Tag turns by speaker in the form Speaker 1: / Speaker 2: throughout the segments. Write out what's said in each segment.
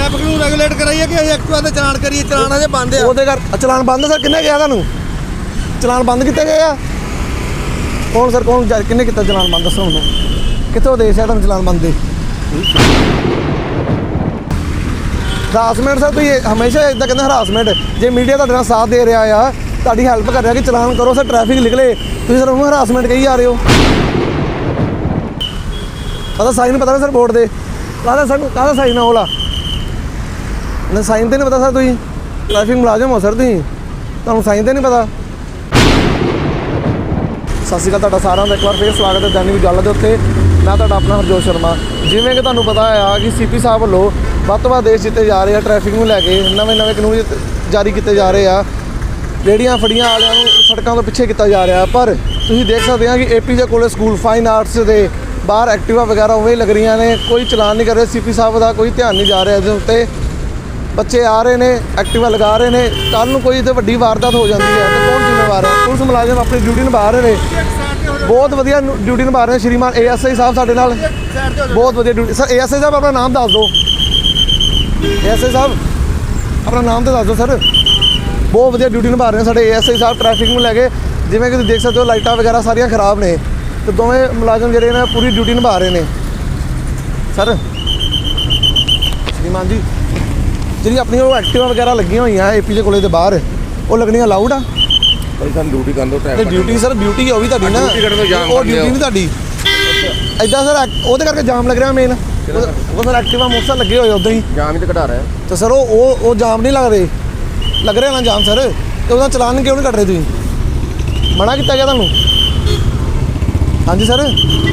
Speaker 1: Traffic ਨੂੰ regulate ਕਰਾਈਏ ਕਿ ਅਸੀਂ ਐਕਟਿਵਾ ਤੇ ਚਲਾਨ ਕਰੀਏ? ਚਲਾਨ ਅਜੇ ਬੰਦ ਆ।
Speaker 2: ਉਹਦੇ ਕਰ ਚਲਾਨ ਬੰਦ ਸਰ ਕਿੰਨੇ ਗਿਆ ਤੁਹਾਨੂੰ? ਚਲਾਨ ਬੰਦ ਕੀਤੇ ਗਏ ਆ? ਕੌਣ ਸਰ ਕੌਣ ਕਿੰਨੇ ਕੀਤਾ ਚਲਾਨ ਬੰਦ? ਦੱਸੋ ਮੈਨੂੰ ਕਿੱਥੋਂ ਦੇਸ਼ ਹੈ ਤੁਹਾਨੂੰ ਚਲਾਨ ਬੰਦ ਦੇ? ਹਰਾਸਮੈਂਟ ਸਰ ਤੁਸੀਂ ਹਮੇਸ਼ਾ ਇਦਾਂ ਕਹਿੰਦੇ ਹਰਾਸਮੈਂਟ। ਜੇ ਮੀਡੀਆ ਤੁਹਾਡੇ ਨਾਲ ਸਾਥ ਦੇ ਰਿਹਾ ਆ, ਤੁਹਾਡੀ ਹੈਲਪ ਕਰ ਰਿਹਾ ਕਿ ਚਲਾਨ ਕਰੋ ਸਰ, ਟ੍ਰੈਫਿਕ ਨਿਕਲੇ, ਤੁਸੀਂ ਸਰ ਉਹਨੂੰ ਹਰਾਸਮੈਂਟ ਕਹੀ ਜਾ ਰਹੇ ਹੋ। ਪਤਾ ਸਾਈਨ ਪਤਾ ਨਾ ਸਰ ਬੋਰਡ ਦੇ ਕਾਹਦਾ ਸਾਈਨ ਆ ਉਹਲਾ? ਨਾ ਸਾਈਨ ਤੇ ਨਹੀਂ ਪਤਾ ਸਰ? ਤੁਸੀਂ ਟ੍ਰੈਫਿਕ ਮੁਲਾਜ਼ਮ ਹੋ ਸਰ, ਤੁਸੀਂ ਤੁਹਾਨੂੰ ਸਾਈਨ ਤੇ ਨਹੀਂ ਪਤਾ? ਸਤਿ ਸ਼੍ਰੀ ਅਕਾਲ ਤੁਹਾਡਾ ਸਾਰਿਆਂ ਦਾ ਇੱਕ ਵਾਰ ਫੇਰ ਸਵਾਗਤ ਹੈ ਦੈਨਿਕ ਗੱਲ ਦੇ ਉੱਤੇ। ਮੈਂ ਤੁਹਾਡਾ ਆਪਣਾ ਹਰਜੋਤ ਸ਼ਰਮਾ। ਜਿਵੇਂ ਕਿ ਤੁਹਾਨੂੰ ਪਤਾ ਆ ਕਿ ਸੀਪੀ ਸਾਹਿਬ ਵੱਲੋਂ ਵੱਧ ਤੋਂ ਵੱਧ ਦੇਸ਼ ਜਿੱਤੇ ਜਾ ਰਹੇ ਆ, ਟ੍ਰੈਫਿਕ ਨੂੰ ਲੈ ਕੇ ਨਵੇਂ ਕਾਨੂੰਨ ਜਾਰੀ ਕੀਤੇ ਜਾ ਰਹੇ ਆ। ਰੇਹੜੀਆਂ ਫੜੀਆਂ ਵਾਲਿਆਂ ਨੂੰ ਸੜਕਾਂ ਤੋਂ ਪਿੱਛੇ ਕੀਤਾ ਜਾ ਰਿਹਾ। ਪਰ ਤੁਸੀਂ ਦੇਖ ਸਕਦੇ ਆ ਕਿ ਏਪੀਜੇ ਕੋਲੇ ਸਕੂਲ ਫਾਈਨ ਆਰਟਸ ਦੇ ਬਾਹਰ ਐਕਟਿਵਾ ਵਗੈਰਾ ਉਵੇਂ ਲੱਗ ਰਹੀਆਂ ਨੇ, ਕੋਈ ਚਲਾਨ ਨਹੀਂ ਕਰ ਰਿਹਾ। ਸੀਪੀ ਸਾਹਿਬ ਦਾ ਕੋਈ ਧਿਆਨ ਨਹੀਂ ਜਾ ਰਿਹਾ ਇਹਦੇ ਉੱਤੇ। ਬੱਚੇ ਆ ਰਹੇ ਨੇ, ਐਕਟਿਵਾ ਲਗਾ ਰਹੇ ਨੇ, ਕੱਲ੍ਹ ਨੂੰ ਕੋਈ ਤੇ ਵੱਡੀ ਵਾਰਦਾਤ ਹੋ ਜਾਂਦੀ ਹੈ ਤਾਂ ਕੌਣ ਜ਼ਿੰਮੇਵਾਰ ਹੈ? ਪੁਲਿਸ ਮੁਲਾਜ਼ਮ ਆਪਣੀ ਡਿਊਟੀ ਨਿਭਾ ਰਹੇ ਨੇ, ਬਹੁਤ ਵਧੀਆ ਡਿਊਟੀ ਨਿਭਾ ਰਹੇ ਨੇ। ਸ਼੍ਰੀਮਾਨ ASI ਸਾਹਿਬ ਸਾਡੇ ਨਾਲ ਬਹੁਤ ਵਧੀਆ ਡਿਊਟੀ। ਸਰ ASI ਸਾਹਿਬ ਆਪਣਾ ਨਾਮ ਦੱਸ ਦਿਓ। ASI ਸਾਹਿਬ ਆਪਣਾ ਨਾਮ ਤਾਂ ਦੱਸ ਦਿਓ ਸਰ। ਬਹੁਤ ਵਧੀਆ ਡਿਊਟੀ ਨਿਭਾ ਰਹੇ ਨੇ ਸਾਡੇ ASI ਸਾਹਿਬ ਟ੍ਰੈਫਿਕ ਨੂੰ ਲੈ ਕੇ। ਜਿਵੇਂ ਕਿ ਤੁਸੀਂ ਦੇਖ ਸਕਦੇ ਹੋ ਲਾਈਟਾਂ ਵਗੈਰਾ ਸਾਰੀਆਂ ਖਰਾਬ ਨੇ ਤੇ ਦੋਵੇਂ ਮੁਲਾਜ਼ਮ ਜਿਹੜੇ ਨੇ ਪੂਰੀ ਡਿਊਟੀ ਨਿਭਾ ਰਹੇ ਨੇ। ਸਰ ਸ਼੍ਰੀਮਾਨ ਜੀ, ਜਿਹੜੀ ਆਪਣੀ ਉਹ ਐਕਟਿਵਾ ਵਗੈਰਾ ਲੱਗੀਆਂ ਹੋਈਆਂ ਏਪੀਜੇ ਕੋਲੇ ਦੇ ਬਾਹਰ, ਉਹ ਲੱਗਣੀਆਂ ਅਲਾਊਡ ਆ?
Speaker 3: ਭਾਈ ਸਾਨੂੰ ਡਿਊਟੀ ਕਰਨ ਦਿਓ।
Speaker 2: ਤੇ ਡਿਊਟੀ ਸਰ ਡਿਊਟੀ ਉਹ ਵੀ ਤੁਹਾਡੀ ਨਾ, ਉਹ ਡਿਊਟੀ ਨਹੀਂ ਤੁਹਾਡੀ। ਐਦਾਂ ਸਰ ਉਹਦੇ ਕਰਕੇ ਜਾਮ ਲੱਗ ਰਿਹਾ ਮੇਨ। ਉਹ ਸਰ ਐਕਟਿਵਾ ਮੋਟਰਸਾਈਕਲ ਲੱਗੇ ਹੋਏ ਉਦਾਂ ਹੀ
Speaker 3: ਜਾਮ ਹੀ ਤਾਂ ਘਟਾ ਰਿਹਾ
Speaker 2: ਤੇ ਸਰ ਉਹ ਜਾਮ ਨਹੀਂ ਲੱਗ ਰਹੇ, ਲੱਗ ਰਿਹਾ ਨਾ ਜਾਮ ਸਰ। ਤੇ ਉਹਦਾ ਚਲਾਨ ਕਿਉਂ ਨਹੀਂ ਕੱਟ ਰਹੇ ਤੁਸੀਂ? ਮਨਾ ਕੀਤਾ ਗਿਆ ਤੁਹਾਨੂੰ? ਹਾਂਜੀ ਸਰ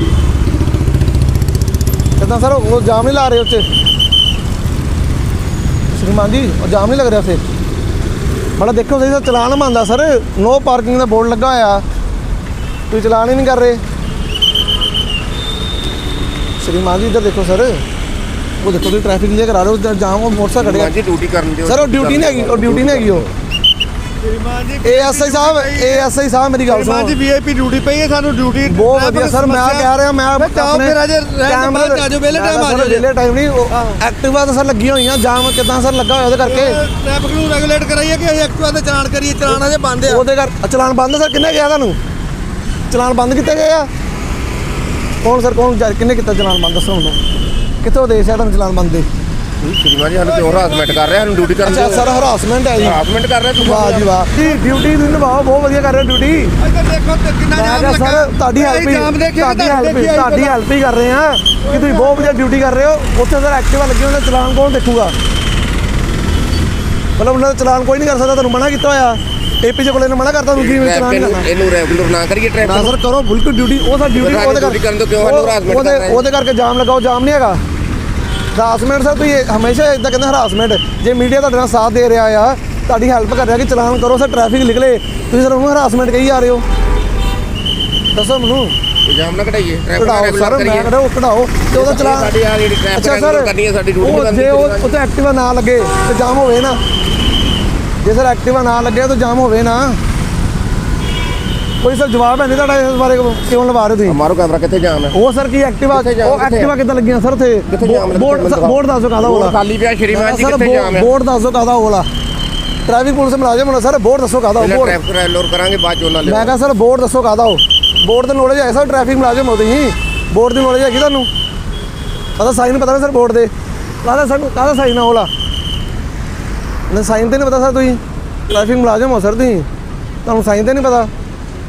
Speaker 2: ਕਿੱਦਾਂ ਸਰ ਉਹ ਜਾਮ ਨਹੀਂ ਲਾ ਰਹੇ ਉੱਥੇ? ਸ਼੍ਰੀਮਾਨ ਜੀ ਉਹ ਜਾਮ ਨਹੀਂ ਲੱਗ ਰਿਹਾ ਉੱਥੇ? ਬੜਾ ਦੇਖੋ ਸਹੀ ਸਰ, ਚਲਾਨ ਮੰਨਦਾ ਸਰ। ਨੋ ਪਾਰਕਿੰਗ ਦਾ ਬੋਰਡ ਲੱਗਾ ਹੋਇਆ, ਤੁਸੀਂ ਚਲਾਨ ਹੀ ਨਹੀਂ ਕਰ ਰਹੇ। ਸ਼੍ਰੀਮਾਨ ਜੀ ਇੱਧਰ ਦੇਖੋ ਸਰ, ਉਹ ਦੇਖੋ ਤੁਸੀਂ ਟ੍ਰੈਫਿਕ ਕਲੀਅਰ ਕਰਾ ਰਹੇ ਹੋ, ਜਾਮ ਉਹ ਮੋਟਰਸਾਈਕਲ ਖੜਿਆ
Speaker 3: ਜੀ। ਡਿਊਟੀ ਕਰਨ ਦਿਓ
Speaker 2: ਸਰ। ਉਹ ਡਿਊਟੀ ਨਹੀਂ ਹੈਗੀ, ਉਹ ਡਿਊਟੀ ਨਹੀਂ ਹੈਗੀ। ਉਹ
Speaker 1: ਸ਼੍ਰੀਮਾਨ ਜੀ
Speaker 2: ASI ਸਾਹਿਬ ਮੇਰੀ ਗੱਲ ਸੁਣੋ।
Speaker 1: ਸ਼੍ਰੀਮਾਨ ਜੀ VIP ਡਿਊਟੀ ਪਈ ਹੈ, ਸਾਨੂੰ ਡਿਊਟੀ
Speaker 2: ਬਹੁਤ ਵਧੀਆ ਸਰ। ਮੈਂ ਕਹਿ ਰਿਹਾ ਮੈਂ
Speaker 1: ਚਾਹੋ ਫਿਰ ਅਜੇ ਬਾਹਰ ਆ ਜਾਓ, ਵੇਲੇ ਟਾਈਮ ਆ ਜਾਓ।
Speaker 2: ਵੇਲੇ ਟਾਈਮ ਨਹੀਂ, ਐਕਟਿਵਾ ਤਾਂ ਸਰ ਲੱਗੀਆਂ ਹੋਈਆਂ, ਜਾਮ ਕਿੱਦਾਂ ਸਰ ਲੱਗਾ ਹੋਇਆ ਉਹਦੇ ਕਰਕੇ?
Speaker 1: ਟ੍ਰੈਫਿਕ ਨੂੰ ਰੈਗੂਲੇਟ ਕਰਾਈਏ ਕਿ ਅਸੀਂ ਐਕਟਿਵਾ ਤੇ ਚਲਾਨ ਕਰੀਏ? ਚਲਾਨ ਅਜੇ ਬੰਦ ਆ।
Speaker 2: ਉਹਦੇ ਕਰ ਚਲਾਨ ਬੰਦ ਸਰ ਕਿੰਨੇ ਗਿਆ ਤੁਹਾਨੂੰ? ਚਲਾਨ ਬੰਦ ਕੀਤੇ ਗਏ ਆ? ਕੌਣ ਸਰ ਕੌਣ ਕਿੰਨੇ ਕੀਤਾ ਚਲਾਨ ਬੰਦ? ਦੱਸੋ ਮੈਨੂੰ ਕਿੱਥੋਂ ਦੇਸ਼ ਹੈ ਤੁਹਾਨੂੰ ਚਲਾਨ ਬੰਦ ਦੇ?
Speaker 3: ਸ਼੍ਰੀਮਾਨ ਜੀ ਸਾਨੂੰ ਕਿਉਂ ਹਰਾਸਮੈਂਟ ਕਰ ਰਿਹਾ? ਸਾਨੂੰ ਡਿਊਟੀ ਕਰਨ ਦਿਓ।
Speaker 2: ਅੱਛਾ ਸਰ ਹਰਾਸਮੈਂਟ ਹੈ ਜੀ?
Speaker 3: ਹਰਾਸਮੈਂਟ ਕਰ ਰਿਹਾ ਤੁਸੀਂ?
Speaker 2: ਵਾਹ ਜੀ ਵਾਹ ਜੀ, ਡਿਊਟੀ ਤੁਸੀਂ ਨਿਭਾਓ, ਬਹੁਤ ਵਧੀਆ ਕਰ ਰਹੇ ਹੋ ਡਿਊਟੀ।
Speaker 1: ਇੱਧਰ ਦੇਖੋ ਤੇ ਕਿੰਨਾ ਜਾਮ ਲੱਗਾ
Speaker 2: ਸਰ ਤੁਹਾਡੀ ਹੈਲਪ ਹੀ ਕਰ ਰਹੇ ਆ ਕਿ ਤੁਸੀਂ ਬਹੁਤ ਵਧੀਆ ਡਿਊਟੀ ਕਰ ਰਹੇ ਹੋ। ਉੱਥੇ ਸਰ ਐਕਟਿਵਾ ਲੱਗੇ ਹੋਏ ਨੇ, ਚਲਾਨ ਕੌਣ ਦੇਖੂਗਾ? ਮਤਲਬ ਉਹਨਾਂ ਦਾ ਚਲਾਨ ਕੋਈ ਨਹੀਂ ਕਰ ਸਕਦਾ, ਤੁਹਾਨੂੰ ਮਨਾ ਕੀਤਾ ਹੋਇਆ ਏਪੀਜੇ ਕੋਲੇ ਨੇ, ਮਨਾ ਕਰਤਾ ਤੁਸੀਂ ਚਲਾਨ ਕਰਨਾ।
Speaker 3: ਇਹਨੂੰ ਰੈਗੂਲਰ ਨਾ ਕਰੀਏ ਟ੍ਰੈਫਿਕ
Speaker 2: ਨਾ ਸਰ ਕਰੋ ਬਿਲਕੁਲ ਡਿਊਟੀ। ਉਹ ਸਰ ਡਿਊਟੀ ਉਹਦੇ
Speaker 3: ਕਰਨ ਦਿਓ। ਕਿਉਂ ਸਾਨੂੰ ਹਰਾਸਮੈਂਟ ਕਰ ਰਹੇ?
Speaker 2: ਉਹਦੇ ਕਰਕੇ ਜਾਮ ਲਗਾਓ, ਜਾਮ ਨਹੀਂ ਹੈਗਾ ਹਰਾਸਮੈਂਟ ਸਰ। ਤੁਸੀਂ ਹਮੇਸ਼ਾ ਇਦਾਂ ਕਹਿੰਦੇ ਹਰਾਸਮੈਂਟ। ਜੇ ਮੀਡੀਆ ਤੁਹਾਡੇ ਨਾਲ ਸਾਥ ਦੇ ਰਿਹਾ ਆ, ਤੁਹਾਡੀ ਹੈਲਪ ਕਰ ਰਿਹਾ ਕਿ ਚਲਾਨ ਕਰੋ ਸਰ, ਟ੍ਰੈਫਿਕ ਨਿਕਲੇ, ਤੁਸੀਂ ਸਰ ਉਹਨੂੰ ਹਰਾਸਮੈਂਟ ਕਹੀ ਜਾ ਰਹੇ ਹੋ। ਦੱਸੋ ਮੈਨੂੰ।
Speaker 3: ਜਾਮ ਨਾ ਘਟਾਈਏ, ਟ੍ਰੈਫਿਕ
Speaker 2: ਕਢਾਓ ਸਰ, ਮੈਂ ਕਢਾਓ ਕਢਾਓ ਤੇ ਉਹਦਾ ਚਲਾਨ।
Speaker 3: ਸਾਡੀ ਆ ਜਿਹੜੀ ਟ੍ਰੈਫਿਕ ਕਰਨੀ ਹੈ, ਸਾਡੀ ਡਿਊਟੀ ਕਰਨੀ।
Speaker 2: ਜੇ ਉਹ ਉੱਥੇ ਐਕਟਿਵਾ ਨਾ ਲੱਗੇ ਤੇ ਜਾਮ ਹੋਵੇ ਨਾ। ਜੇ ਸਰ ਐਕਟਿਵਾ ਨਾ ਲੱਗੇ ਤਾਂ ਜਾਮ ਹੋਵੇ ਨਾ। ਕੋਈ ਸਰ ਜਵਾਬ ਹੈ ਨਹੀਂ ਤੁਹਾਡਾ ਇਸ ਬਾਰੇ? ਕਿਉਂ ਲਵਾ ਰਹੇ ਤੁਸੀਂ?
Speaker 3: ਮਾਰੋ ਕੈਮਰਾ। ਕਿੱਥੇ ਜਾਮ ਹੈ?
Speaker 2: ਉਹ ਸਰ ਕੀ ਐਕਟਿਵਾ, ਉਹ ਐਕਟਿਵਾ ਕਿੱਦਾਂ ਲੱਗੀਆਂ ਸਰ ਉੱਥੇ? ਬੋਰਡ ਦੱਸੋ ਕਾਹਦਾ ਹੋਲਾ?
Speaker 3: ਖਾਲੀ ਪਿਆ ਸ਼੍ਰੀਮਾਨ ਜੀ, ਕਿੱਥੇ ਜਾਮ ਹੈ?
Speaker 2: ਬੋਰਡ ਦੱਸੋ ਕਾਹਦਾ ਹੋਲਾ? ਟ੍ਰੈਫਿਕ ਪੁਲਿਸ ਮੁਲਾਜ਼ਮ ਹੋਣਾ ਸਰ, ਬੋਰਡ ਦੱਸੋ ਕਾਹਦਾ? ਬੋਰਡ
Speaker 3: ਟ੍ਰੈਫਿਕ ਰੈਗੂਲਰ ਕਰਾਂਗੇ ਬਾਅਦ ਚ ਉਹਨਾਂ ਲਈ।
Speaker 2: ਮੈਂ ਕਹਾਂ ਸਰ ਬੋਰਡ ਦੱਸੋ ਕਾਹਦਾ? ਉਹ ਬੋਰਡ ਦੀ ਨੌਲੇਜ ਹੈ ਸਰ, ਟ੍ਰੈਫਿਕ ਮੁਲਾਜ਼ਮ ਹੋ ਤੁਸੀਂ, ਬੋਰਡ ਦੀ ਨੌਲੇਜ ਹੈਗੀ ਤੁਹਾਨੂੰ? ਪਤਾ ਸਾਈਨ ਪਤਾ ਨਾ ਸਰ ਬੋਰਡ ਦੇ? ਕਾਹਦਾ ਸਾਈਨ ਆ ਹੋਲਾ? ਨਾ ਸਾਈਨ ਤੇ ਨਹੀਂ ਪਤਾ ਸਰ? ਤੁਸੀਂ ਟ੍ਰੈਫਿਕ ਮੁਲਾਜ਼ਮ ਹੋ ਸਰ, ਤੁਸੀਂ ਤੁਹਾਨੂੰ ਸਾਈਨ ਤੇ ਨਹੀਂ ਪਤਾ?